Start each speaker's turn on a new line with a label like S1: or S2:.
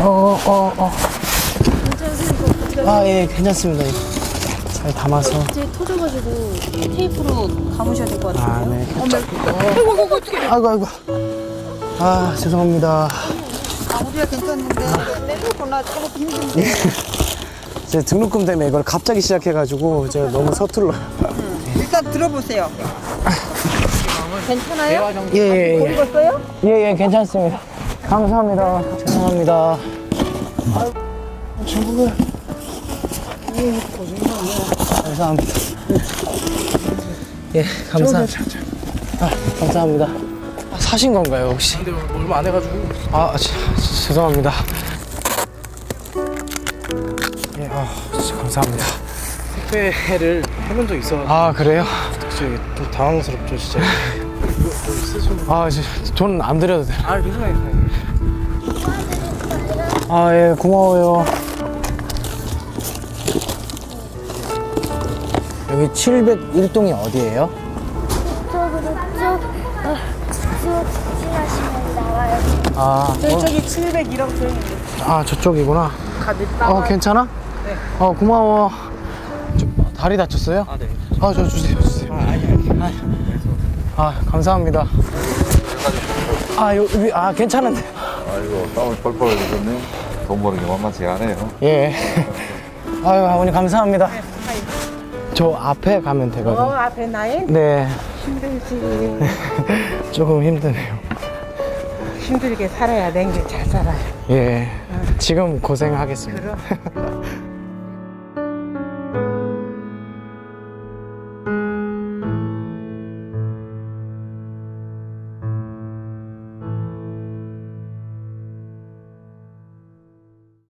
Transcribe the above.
S1: 아, 예, 괜찮습니다. 잘 담아서.
S2: 이제 터져가지고 테이프로 감으셔야 될 것
S1: 아,
S2: 같은데요.
S1: 네.
S2: 어머,
S1: 아이고. 아, 죄송합니다.
S3: 우리가 괜찮은데 내놓고나 조금 힘든데.
S1: 제 등록금 때문에 이걸 갑자기 시작해가지고 제가 너무 서툴러요.
S3: 일단 들어보세요. 괜찮아요?
S1: 예,
S3: 못 익었어요?
S1: 예, 괜찮습니다. 감사합니다. 죄송합니다. 중국을. 감사합니다. 예, 감사합니다. 아, 감사합니다. 사신 건가요, 혹시?
S4: 근데 얼마 안 해가지고.
S1: 아, 죄송합니다. 예, 진짜 감사합니다.
S4: 택배를 해본 적 있어.
S1: 아, 그래요?
S4: 좀 당황스럽죠, 진짜.
S1: 아, 돈 안 드려도 돼요.
S4: 아, 괜찮아요.
S1: 아, 예, 고마워요. 여기 701동이 어디예요?
S5: 저쪽으로 쭉 지나시면 나와요.
S1: 아,
S3: 저기 701억 저 있는데.
S1: 아, 저쪽이구나.
S3: 나와요.
S1: 괜찮아?
S3: 네.
S1: 고마워. 다리 다쳤어요?
S4: 아, 네.
S1: 아, 저 주세요. 아, 감사합니다. 괜찮은데.
S6: 아이고 땀을 뻘뻘 흘리셨네. 돈 버는 게 만만치 않아요.
S1: 예. 아유, 어머니 감사합니다. 저 앞에 가면 되거든요.
S3: 앞에 나에
S1: 네.
S3: 힘들지.
S1: 조금 힘드네요.
S3: 힘들게 살아야 된 게 잘 살아요.
S1: 예. 지금 고생하겠습니다.
S3: 그럼.